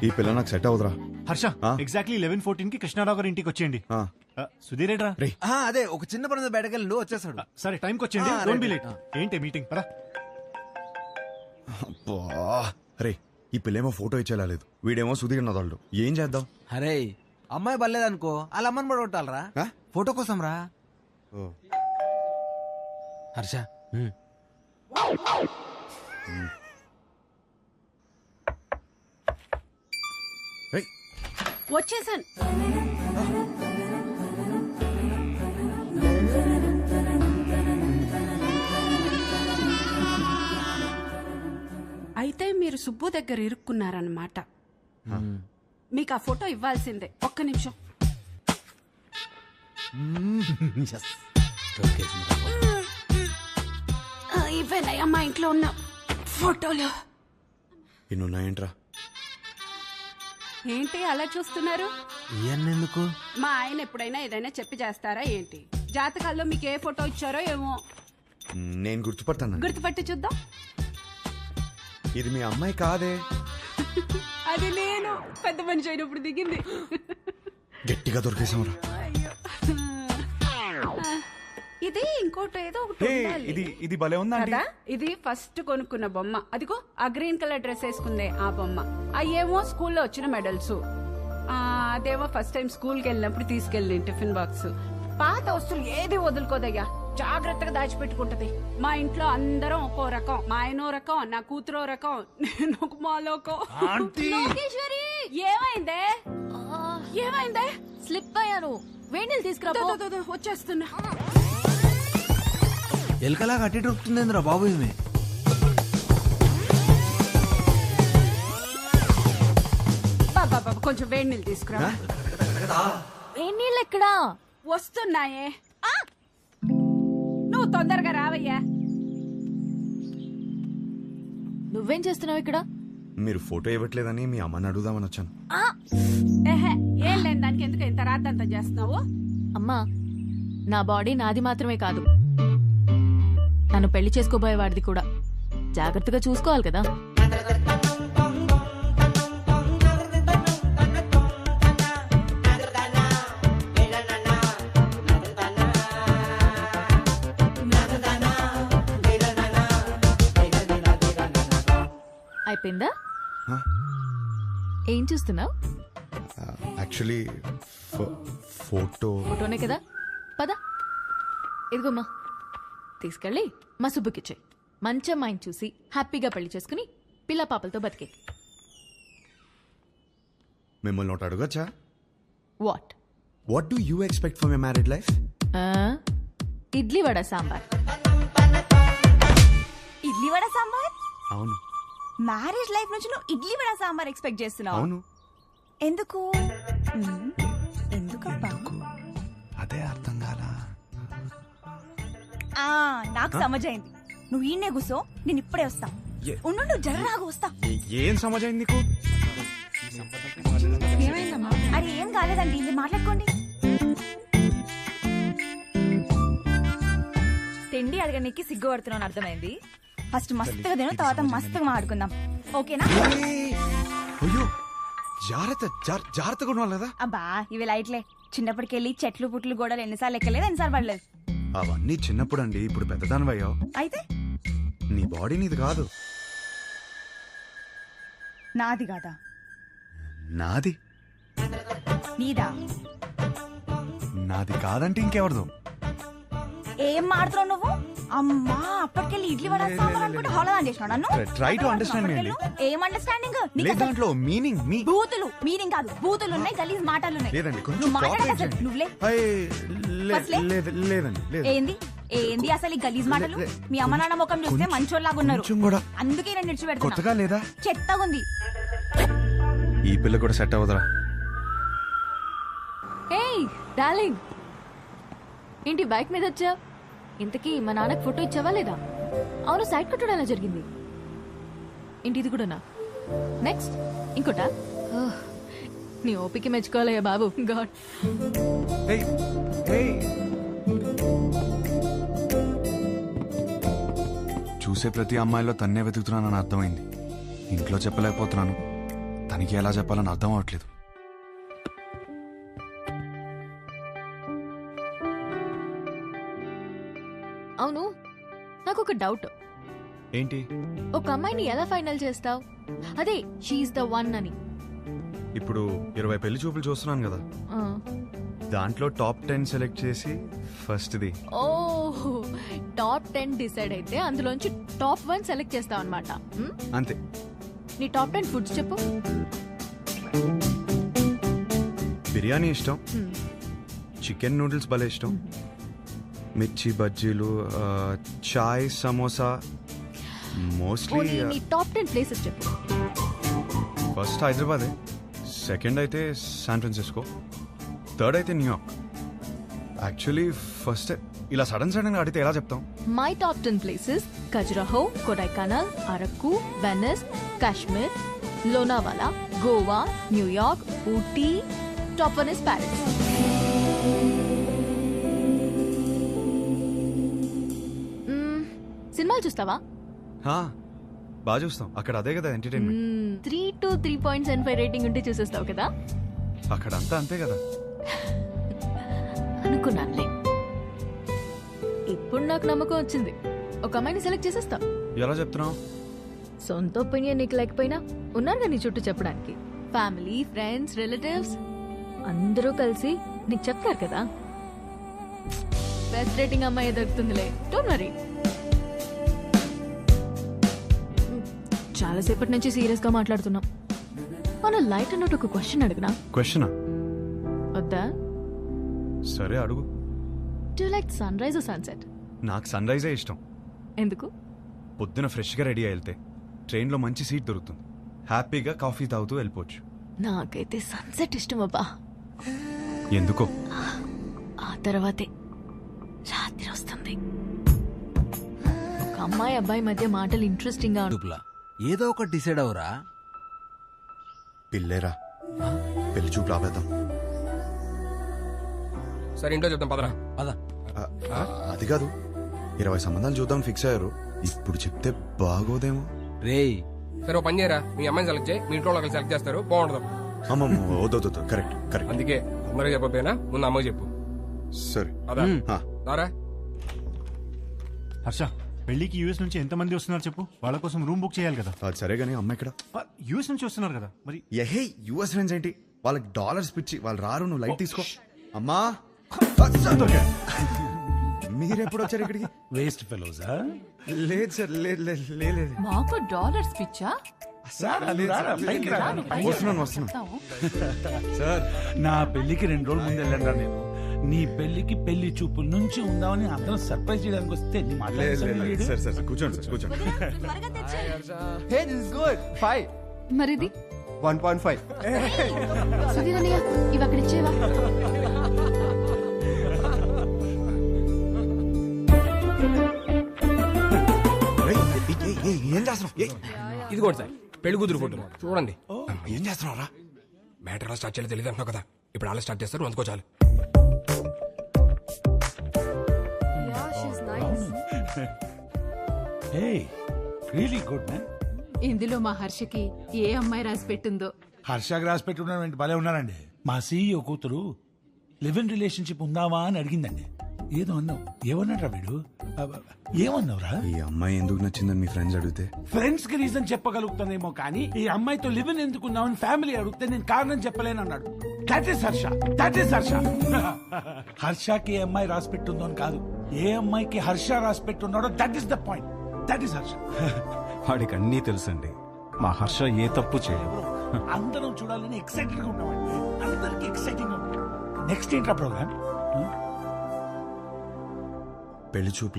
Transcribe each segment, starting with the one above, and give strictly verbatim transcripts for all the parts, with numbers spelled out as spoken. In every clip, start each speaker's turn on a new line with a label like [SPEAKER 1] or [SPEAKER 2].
[SPEAKER 1] ఈ పిల్ల నాకు సెట్ అవుదరా.
[SPEAKER 2] హర్ష ఎగ్జాక్ట్లీ లెవెన్ ఫోర్టీన్ కి కృష్ణారావు గారి ఇంటికి వచ్చేయండి. సుధీర్ ఏడ్రా?
[SPEAKER 3] అదే ఒక చిన్న పని బయటకెళ్ళి వచ్చేసాడు.
[SPEAKER 2] సరే టైంకి వచ్చేయండి, డోంట్ బి లేట్. ఏంటి మీటింగ్ పరా?
[SPEAKER 1] అరే ఈ పిల్లేమో ఫోటో ఇచ్చేలాలేదు, వీడేమో సుధీర్ నదాళ్ళు. ఏం చేద్దాం?
[SPEAKER 3] అరే అమ్మాయి బలేదనుకో వాళ్ళ అమ్మని పడగొట్టాలరా ఫోటో కోసం రా. హర్ష
[SPEAKER 4] వచ్చేసాను. అయితే మీరు సుబ్బు దగ్గర ఇరుక్కున్నారన్నమాట. మీకు ఆ ఫోటో ఇవ్వాల్సిందే. ఒక్క నిమిషం. ఇవేనయ్యా మా ఇంట్లో ఉన్న ఫోటోలు.
[SPEAKER 1] ఇన్నున్నాయంట్రా?
[SPEAKER 4] ఏంటి అలా చూస్తున్నారు?
[SPEAKER 3] ఎందుకు?
[SPEAKER 4] మా ఆయన ఎప్పుడైనా ఏదైనా చెప్పి చేస్తారా ఏంటి? జాతకాల్లో మీకు ఏ ఫోటో ఇచ్చారో ఏమో.
[SPEAKER 1] నేను గుర్తుపడతాను.
[SPEAKER 4] గుర్తుపట్టి చూద్దాం.
[SPEAKER 1] ఇది మీ అమ్మాయి కాదే.
[SPEAKER 4] అది నేను పెద్ద మనిషి అయినప్పుడు దిగింది.
[SPEAKER 1] గట్టిగా దొరికేసాంరా.
[SPEAKER 4] ఇది ఇంకోటి ఏదో ఒకటి ఉండాలి.
[SPEAKER 2] ఇది ఇది భలే ఉందా
[SPEAKER 4] కదా? ఇది ఫస్ట్ కొనుక్కున్న బొమ్మ. అదిగో ఆ గ్రీన్ కలర్ డ్రెస్ వేసుకుందే ఆ బొమ్మ. అయ్యేమో స్కూల్లో వచ్చిన మెడల్స్. అదేమో ఫస్ట్ టైం స్కూల్ కి వెళ్ళినప్పుడు తీసుకెళ్ళి టిఫిన్ బాక్స్. పాత వస్తువులు ఏది వదులుకోదయ్యా, జాగ్రత్తగా దాచిపెట్టుకుంటది. మా ఇంట్లో అందరం ఒక్కో రకం. మా ఆయనో రకం, నా కూతురో రకం, నేను ఒక మాలోకం.
[SPEAKER 5] లోకేశ్వరి
[SPEAKER 4] ఏమైందే? ఏమైందే?
[SPEAKER 5] స్లిప్ అయ్యాను. వేణీలు తీసుకురా.
[SPEAKER 4] వచ్చేస్తున్నా.
[SPEAKER 3] ఎలకలా కట్టి దొరుకుతుందిరా బాబు. ఈమె
[SPEAKER 4] బాబా కొంచెం వేడి నీళ్ళు తీసుకురా.
[SPEAKER 5] వేణీళ్ళు ఎక్కడా?
[SPEAKER 4] వస్తున్నాయే. నువ్వు తొందరగా రావయ్యా.
[SPEAKER 5] నువ్వేం చేస్తున్నావు ఇక్కడ?
[SPEAKER 1] మీరు ఫోటో ఇవ్వట్లేదని మీ అమ్మని అడుగుదామని వచ్చాను.
[SPEAKER 4] ఏహే, ఏం లేని దానికి ఎందుకు ఇంత రాద్దంతా చేస్తున్నావు?
[SPEAKER 5] అమ్మా, నా బాడీ నాది మాత్రమే కాదు, నన్ను పెళ్లి చేసుకోబోయేవాడిది కూడా. జాగ్రత్తగా చూసుకోవాలి కదా. అయిపోయిందా? ఏం చూస్తున్నావు?
[SPEAKER 1] యాక్చువల్లీ ఫోటో
[SPEAKER 5] ఫోటోనే కదా. పద, ఇదిగోమ్మా, తీసుకెళ్ళి మా సుబ్బుకిచ్చాయి. మంచి అమ్మాయిని చూసి హ్యాపీగా పెళ్లి చేసుకుని పిల్ల పాపలతో బతికే.
[SPEAKER 1] మిమ్మల్ని ఒకటి అడగచ్చా?
[SPEAKER 5] What
[SPEAKER 1] what do you expect for my married life?
[SPEAKER 5] Idli vada sambar.
[SPEAKER 6] Idli vada sambar?
[SPEAKER 1] అవును.
[SPEAKER 6] మ్యారేజ్ లైఫ్ నుంచి నువ్వు ఇడ్లీ వడ సాంబార్ ఎక్స్పెక్ట్ చేస్తున్నావు?
[SPEAKER 1] అవును.
[SPEAKER 6] ఎందుకు? ఎందుకబ్బా?
[SPEAKER 1] అదే అర్థం కాలా.
[SPEAKER 6] ఆ నాకు సమజైంది. నువ్వు ఈయనే కూసో, నేను ఇప్పుడే వస్తా. ఉండు, జర్రాగా వస్తా.
[SPEAKER 1] ఏం సమజైంది నీకు?
[SPEAKER 6] అరే ఏం కాలేదండి, ఇది మాట్లాడుకోండి.
[SPEAKER 5] తిండి అడగడానికి సిగ్గుపడుతున్నాను, అర్థమైంది.
[SPEAKER 6] ఫస్ట్ మస్తుగా తిను, తర్వాత మస్తుగా మాట్లాడుకుందాం, ఓకేనా?
[SPEAKER 1] అయ్యో జాగ్రత్త, జాగ్రత్తగా ఉండాలి కదా.
[SPEAKER 6] అబ్బా ఇవి లైట్లే. చిన్నప్పటికెళ్ళి చెట్లు పుట్లు గోడలు ఎన్నిసార్లు ఎక్కలేదు, ఎన్నిసార్లు పడలేదు.
[SPEAKER 1] అవన్నీ చిన్నప్పుడు అండి, ఇప్పుడు పెద్దదానివయ్యావు.
[SPEAKER 6] అయితే
[SPEAKER 1] నీ బాడీ నీది కాదు.
[SPEAKER 6] నాది కాదా?
[SPEAKER 1] నాది.
[SPEAKER 6] నీదా?
[SPEAKER 1] నాది కాదంటే ఇంకెవరిదో.
[SPEAKER 6] ఏం మాడుతున్నావు నువ్వు? అమ్మా అప్పటికెళ్ళి ఇడ్లీ వడ సాంబార్ అనుకుంటే హోళదాన్ చేసినావు నన్ను.
[SPEAKER 1] Try to understand me.
[SPEAKER 6] ఏం అండర్స్టాండింగ్?
[SPEAKER 1] దాంట్లో మీనింగ్ మీ
[SPEAKER 6] బూతులు మీనింగ్ కాదు, బూతులు ఉన్నాయి, గలీజ్ మాటలు ఉన్నాయి.
[SPEAKER 1] లేదండి, కొంచెం
[SPEAKER 6] నువ్వు మాట్లాడక
[SPEAKER 1] కోఆపరేట్
[SPEAKER 6] అసలు
[SPEAKER 1] చేయండి.
[SPEAKER 6] నువ్వులే.
[SPEAKER 1] అయ్, లే- లేదు లేదండి, లేదు.
[SPEAKER 6] ఏంది ఏంది అసలు ఈ గలీజ్ మాటలు? మీ అమ్మ నాన్న ముఖం చూస్తే
[SPEAKER 1] కొంచెం-
[SPEAKER 6] మంచోళ్ళలాగా ఉన్నారు,
[SPEAKER 1] కొంచెం కూడా.
[SPEAKER 6] అందుకే నేను నిడిచిపెడుతున్నా.
[SPEAKER 1] కొత్తగా లేదా?
[SPEAKER 6] చెత్తగా ఉంది.
[SPEAKER 1] ఈ పిల్ల కూడా సెట్ అవ్వదురా.
[SPEAKER 5] ఏయ్ డార్లింగ్, ఏంటి బైక్ మీద వచ్చా? ఇంతకీ మా నాన్నకి ఫోటో ఇచ్చావా లేదా? అవును, సైడ్ కట్టడం ఎలా జరిగింది? ఏంటి ఇది కూడానా? నెక్స్ట్ ఇంకోటా? ఓహ్, నీ ఓపిక మెచ్చుకోవాలయ్యా బాబు. గాడ్.
[SPEAKER 1] చూసే ప్రతి అమ్మాయిలో తన్నే వెతుకుతున్నానని అర్థమైంది. ఇంట్లో చెప్పలేకపోతున్నాను, తనకి ఎలా చెప్పాలని అర్థం అవట్లేదు.
[SPEAKER 5] అవును, నాకు ఒక డౌట్.
[SPEAKER 1] ఏంటి?
[SPEAKER 5] ఒక అమ్మాయిని ఎలా ఫైనల్ చేస్తావు? అదే షీఈ్ ద వన్ అని.
[SPEAKER 1] ఇప్పుడు ఇరవై పెళ్లి చూపులు చూస్తున్నాను కదా,
[SPEAKER 5] ఆ.
[SPEAKER 1] దాంట్లో టాప్ టెన్ సెలెక్ట్ చేసి ఫస్ట్ది.
[SPEAKER 5] ఓ టాప్ టెన్ డిసైడ్ అయితే అందులోంచి టాప్ వన్ సెలెక్ట్ చేస్తావు అనమాట.
[SPEAKER 1] అంతే.
[SPEAKER 5] నీ టాప్ టెన్ ఫుడ్స్ చెప్పు.
[SPEAKER 1] బిర్యానీ ఇష్టం,
[SPEAKER 5] Hmm.
[SPEAKER 1] చికెన్ నూడిల్స్ భలే ఇష్టం, మిర్చి బజ్జీలు, ఆ, చాయ్, సమోసా. మోస్ట్లీ
[SPEAKER 5] పోనీ నీ టాప్ టెన్ ప్లేసెస్ చెప్పు.
[SPEAKER 1] ఫస్ట్ హైదరాబాదే, సెకండ్ అయితే శాన్ ఫ్రాన్సిస్కో, థర్డ్ అయితే న్యూయార్క్. యాక్చువల్లీ ఫస్ట్ ఇలా సడన్ సడన్ గా అడిగితే ఎలా చెప్తాం?
[SPEAKER 5] My top ten places Khajuraho, Kodaikanal, Araku, Venice, Kashmir, Lonavala, Goa, New York, Ooty. Top one is Paris. Hmm, సినిమాలు చూస్తావా?
[SPEAKER 1] హా, బాగా చూస్తాం. అక్కడ అదే కదా entertainment.
[SPEAKER 5] Three to three point seven five rating ఉంటే చూసేస్తావు కదా.
[SPEAKER 1] అక్కడ అంతా అంతే కదా.
[SPEAKER 5] అనుకున్నానులే. ఇప్పుడు నాకు నమ్మకం వచ్చింది. ఒక అమ్మాయిని సెలెక్ట్ చేసేస్తావు.
[SPEAKER 1] ఎలా చెప్తున్నావు?
[SPEAKER 5] సొంత ఒపీనియన్ నీకు లేకపోయినా ఉన్నారుగా నీ చుట్టూ చెప్పడానికి. ఫ్యామిలీ, ఫ్రెండ్స్, రిలేటివ్స్ అందరూ కలిసి నీకు చెప్తారు కదా. బెస్ట్ రేటింగ్ అమ్మాయి దొరుకుతుందిలే, డోంట్ వరీ. చాలాసేపటి నుంచి సీరియస్ గా మాట్లాడుతున్నాం. మన లైట్ అన్నట్టు ఒక క్వశ్చన్ అడిగినా?
[SPEAKER 1] క్వశ్చనా?
[SPEAKER 5] వద్దా?
[SPEAKER 1] సరే అడుగు.
[SPEAKER 5] Do like sunrise sunset?
[SPEAKER 1] నాకు సన్ రైజే ఇష్టం.
[SPEAKER 5] ఎందుకు?
[SPEAKER 1] పొద్దున ఫ్రెష్గా రెడీ అయి వెళ్తే ట్రైన్లో మంచి సీట్ దొరుకుతుంది, హ్యాపీగా కాఫీ తాగుతూ వెళ్ళిపోవచ్చు.
[SPEAKER 5] నాకైతే సన్సెట్ ఇష్టం అబ్బా.
[SPEAKER 1] ఎందుకో?
[SPEAKER 5] ఆ తర్వాతే రాత్రి వస్తుంది. ఒక అమ్మాయి అబ్బాయి మధ్య మాటలు ఇంట్రెస్టింగ్ గా
[SPEAKER 3] డుప్లా ఏదో ఒకటి డిసైడ్ అవరా.
[SPEAKER 1] పిల్లేరా, పెళ్లి చూపు రాబేద్దాం.
[SPEAKER 7] సరే ఇంట్లో చెప్తాం పదరా.
[SPEAKER 3] పద.
[SPEAKER 1] ఆ, అది కాదు, ఇరవై సంబంధాలు చూద్దాం ఫిక్స్ అయ్యారు. ఇప్పుడు చెప్తే బాగోదేమో.
[SPEAKER 3] రేయ్
[SPEAKER 7] సరే ఓ పని చేయరా, మీ అమ్మాయిని సెలెక్ట్ చేయి, మీ ఇంట్లో వాళ్ళకి సెలెక్ట్ చేస్తారు, బాగుంటుంది.
[SPEAKER 1] అమ్మమ్మ, వద్దొద్దు, కరెక్ట్ కరెక్ట్.
[SPEAKER 7] అందుకే అందరూ చెప్పకపోయినా ముందు అమ్మకి చెప్పు.
[SPEAKER 1] సరే.
[SPEAKER 7] అదా
[SPEAKER 1] ఆ,
[SPEAKER 7] దారా.
[SPEAKER 2] హర్ష, పెళ్లికి యూఎస్ నుంచి ఎంత మంది వస్తున్నారు చెప్పు. వాళ్ళ కోసం రూమ్ బుక్ చేయాలి కదా.
[SPEAKER 1] అది సరే గానీ అమ్మ ఇక్కడ.
[SPEAKER 2] యూఎస్ నుంచి వస్తున్నారు కదా మరి.
[SPEAKER 1] ఎహే, యుఎస్ ఫ్రెండ్స్ ఏంటి, వాళ్ళకి డాలర్స్ పిచ్చి, వాళ్ళు రారు. నువ్వు లైట్ తీసుకో. అమ్మా, మీరెప్పుడు వచ్చారు ఇక్కడికి?
[SPEAKER 8] వేస్ట్ ఫెలోజా.
[SPEAKER 1] లేదు సార్, లేదు లేదు లేదు.
[SPEAKER 5] మాకు డాలర్స్ పిచ్చా?
[SPEAKER 1] వస్తున్నాను వస్తున్నాను
[SPEAKER 8] సార్, నా పెళ్లికి రెండు రోజుల ముందు వెళ్ళండి నేను. నీ పెళ్లికి పెళ్లి చూపుల నుంచి ఉందామని అందరం సర్ప్రైజ్ చేయడానికి వస్తే నీ మాట
[SPEAKER 1] లేదు లేదు సార్ సార్ కూర్చోండి సార్ కూర్చోండి.
[SPEAKER 9] Hey, this is good. Five.
[SPEAKER 5] మరిది
[SPEAKER 9] one point five.
[SPEAKER 5] సుధీర్ అన్నయ్య, ఇవి అక్కడ ఇచ్చేవా?
[SPEAKER 1] ఏయ్, ఏయ్, ఏయ్, ఏం చేస్తున్నావు? ఏయ్,
[SPEAKER 7] ఇదిగోండి సార్ పెళ్లి కూతురు ఫోటో చూడండి.
[SPEAKER 1] ఏం చేస్తున్నావురా?
[SPEAKER 7] మ్యాటర్ ఎలా స్టార్ట్ చేయాలో తెలియదు అంటున్నావు కదా, ఇప్పుడు అలా స్టార్ట్ చేస్తారు, అందుకో చాలు.
[SPEAKER 8] హే, రియలీ గుడ్ మ్యాన్.
[SPEAKER 10] ఇందులో మా హర్షకి ఏ అమ్మాయి రాసి పెట్టిందో.
[SPEAKER 8] హర్ష గ్రాస్ పెట్టుకున్నాడు, భలే ఉన్నారండి. మా సీఈఓ కూతురు లివ్ ఇన్ రిలేషన్షిప్ ఉందావా అని అడిగిందండి. ఏదో అన్నావు, ఏమన్నాడ్రా వీడు? అబ్బ, ఏమన్నావురా?
[SPEAKER 1] ఈ అమ్మాయి ఎందుకు నచ్చిందని మీ ఫ్రెండ్స్ అడిగితే
[SPEAKER 8] ఫ్రెండ్స్ కి రీజన్ చెప్పగలుగుతానేమో కానీ ఈ అమ్మాయితో లివ్ ఇన్ ఎందుకున్నావని ఫ్యామిలీ అడిగితే నేను కారణం చెప్పలేను అన్నాడు. That is Harsha, that is Harsha. హర్షకి ఏ అమ్మాయి రాసి పెట్టుందో అని కాదు, ఏ అమ్మాయికి హర్ష రాసి పెట్టున్నాడో that is the point. That is Harsha.
[SPEAKER 11] వాడికి అన్నీ తెలుసండి, మా హర్ష ఏ తప్పు చేయదు.
[SPEAKER 8] అందరం చూడాలని ఎక్సైటెడ్ గా ఉన్నామండి, అందరికి ఎక్సైటింగ్ గా ఉంది. నెక్స్ట్ ఏంట్రా ప్రోగ్రామ్?
[SPEAKER 1] పెళ్లి చూపులు.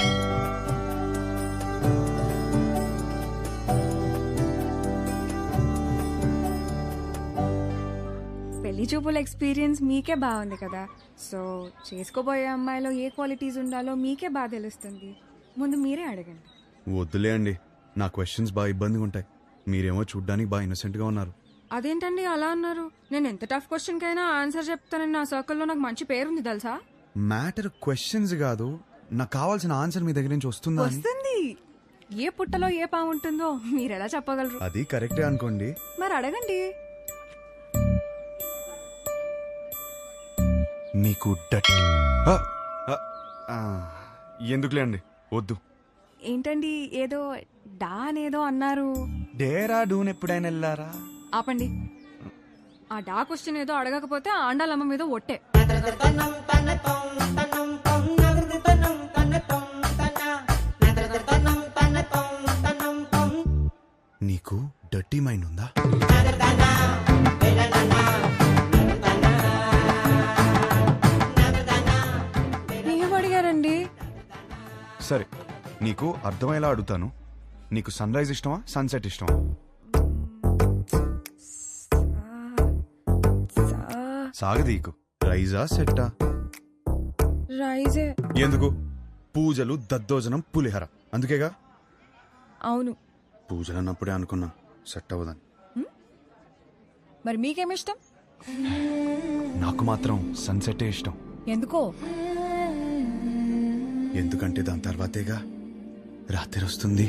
[SPEAKER 12] పెళ్లి చూపుల ఎక్స్పీరియన్స్ మీకే బాగుంది కదా, సో చేసుకోబోయే అమ్మాయిలో ఏ క్వాలిటీస్ ఉండాలో మీకే బాగా తెలుస్తుంది. ముందు మీరే అడగండి.
[SPEAKER 1] వద్దులే అండి, నా క్వశ్చన్స్ బాగా ఇబ్బందిగా ఉంటాయి. మీరేమో చూడ్డానికి బాగా ఇన్నోసెంట్ గా ఉన్నారు.
[SPEAKER 12] అదేంటండి అలా అన్నారు? నేను ఎంత టఫ్ క్వశ్చన్ కైనా ఆన్సర్ చెప్తానని నా సర్కిల్లో నాకు మంచి పేరుంది తెలుసా.
[SPEAKER 1] మ్యాటర్ క్వశ్చన్స్ కాదు, నాకు కావాల్సిన ఆన్సర్ మీ దగ్గర నుంచి వస్తుందా అని.
[SPEAKER 12] వస్తుంది. ఏ పుట్టలో ఏ పాము ఉంటుందో మీరు ఎలా చెప్పగలరు?
[SPEAKER 1] అది కరెక్టే అనుకోండి.
[SPEAKER 12] మరి ఒకసారి అడగండి.
[SPEAKER 1] నీకు డట్ ఆ, ఆ, ఆ, ఎందుకులే అండి వద్దు.
[SPEAKER 12] ఏంటండి ఏదో డా అనేదో అన్నారు.
[SPEAKER 1] డేరా డూన్ ఎప్పుడైనా వెళ్ళారా?
[SPEAKER 12] ఆపండి. ఆ డా క్వశ్చన్ ఏదో అడగకపోతే ఆ ఆండాలమ్మ మీద ఒట్టే.
[SPEAKER 1] నీకు డర్టీ మైండ్ ఉందా?
[SPEAKER 12] ఏం అడిగారండి?
[SPEAKER 1] సరే నీకు అర్థమయ్యేలా అడుగుతాను. నీకు సన్ రైజ్ ఇష్టమా సన్సెట్ ఇష్టమా? సాగదీకు రైజా సెట్టా?
[SPEAKER 12] రైజే.
[SPEAKER 1] ఎందుకు? పూజలు దద్దోజనం పులిహర అందుకేగా.
[SPEAKER 12] అవును.
[SPEAKER 1] పూజలు అన్నప్పుడే అనుకున్నా సెట్ అవ్వదని.
[SPEAKER 12] మరి మీకేమిష్టం?
[SPEAKER 1] నాకు మాత్రం సన్సెటే ఇష్టం.
[SPEAKER 12] ఎందుకో?
[SPEAKER 1] ఎందుకంటే దాని తర్వాతేగా రాత్రి వస్తుంది.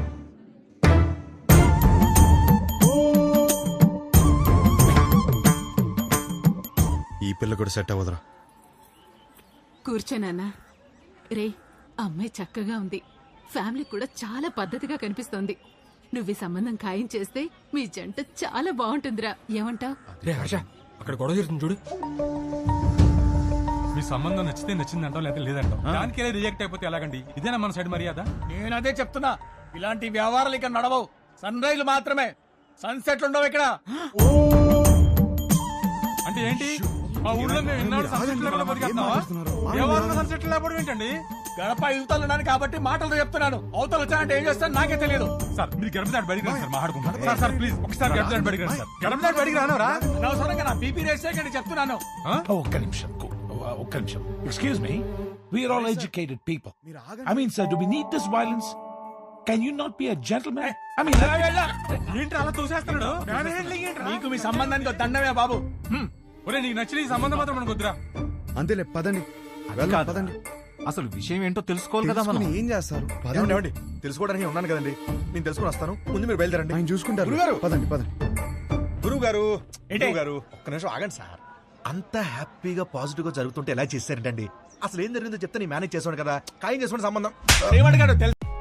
[SPEAKER 1] ఈ పిల్ల కూడా సెట్ అవ్వదురా.
[SPEAKER 10] కూర్చోనన్నా. రే, అమ్మాయి చక్కగా ఉంది. ఫ్యామిలీ కూడా చాలా పద్ధతిగా కనిపిస్తోంది. నువ్వు ఈ సంబంధం ఖాయం చేస్తే మీ జంట చాలా బాగుంటుందిరా. ఏమంటావ్?
[SPEAKER 7] రే హర్ష, అక్కడ గొడవ జరుగుతుంది చూడు.
[SPEAKER 13] మీ సంబంధం నచ్చితే నచ్చిందంటాం లేదా లేదంటాం. దానికే రిజెక్ట్ అయిపోతే ఎలాగండి? ఇదేనా మన సైడ్ మర్యాద?
[SPEAKER 8] నేను అదే చెప్తున్నా, ఇలాంటి వ్యవహారాలు ఇక్కడ నడవవు. సన్ రైజ్ మాత్రమే, సన్సెట్లు ఉండవు ఇక్కడ.
[SPEAKER 13] అంటే ఏంటి? మా ఊళ్ళో మేము ఎన్నాడు సన్సెట్ లేకుండా బతికేస్తున్నావా? ఎవరు సన్సెట్ లేకపోవడం ఏంటండి?
[SPEAKER 8] గడప యువతలు ఉన్నాను కాబట్టి మాటలతో చెప్తున్నాను. అవతలు వచ్చానంటే ఏం చేస్తాను నాకే తెలియదు.
[SPEAKER 13] సార్ మీరు గడప దాటి బయటికి రండి సార్, మాట్లాడుకుంటారు. సార్ సార్ ప్లీజ్ ఒకసారి గడప దాటి బయటికి రండి సార్. గడప దాటి బయటికి రానవరా?
[SPEAKER 8] అనవసరంగా నా బీపీ రేస్ చేయకండి చెప్తున్నాను. ఒక్క నిమిషం, ఒక్క నిమిషం. Excuse me, we're all educated people. I mean sir, do we need this violence? Can you not be a gentleman? I mean
[SPEAKER 13] ఏంటి అలా చూసేస్తున్నాడు?
[SPEAKER 8] నీకు మీ సంబంధానికి ఒక దండమే బాబు.
[SPEAKER 13] ఒరే నీకు నచ్చిన ఈ సంబంధం మాత్రం మనకు వద్దురా.
[SPEAKER 1] అంతేలే పదండి, వెళ్దాం, పదండి.
[SPEAKER 11] అసలు విషయం ఏంటో తెలుసుకోవాలి కదా మనం.
[SPEAKER 1] ఏం చేస్తారు?
[SPEAKER 14] ఏమండి, తెలుసుకోవడానికి ఉన్నాను కదండి, నేను తెలుసుకుని వస్తాను. ముందు మీరు బయలుదేరండి.
[SPEAKER 1] ఆయన చూసుకుంటారు.
[SPEAKER 14] గురుగారు,
[SPEAKER 1] పదండి పదండి.
[SPEAKER 14] గురువు గారు గురువు గారు ఒక్క నిమిషం ఆగండి సార్. అంత హ్యాపీగా పాజిటివ్ గా జరుగుతుంటే ఎలా చేశారంటండి? అసలు ఏం జరిగిందో చెప్తే నేను మేనేజ్ చేసాను కదా. ఖాయం చేసుకోండి సంబంధం.
[SPEAKER 8] ఏమడిగాడు తెలుసు.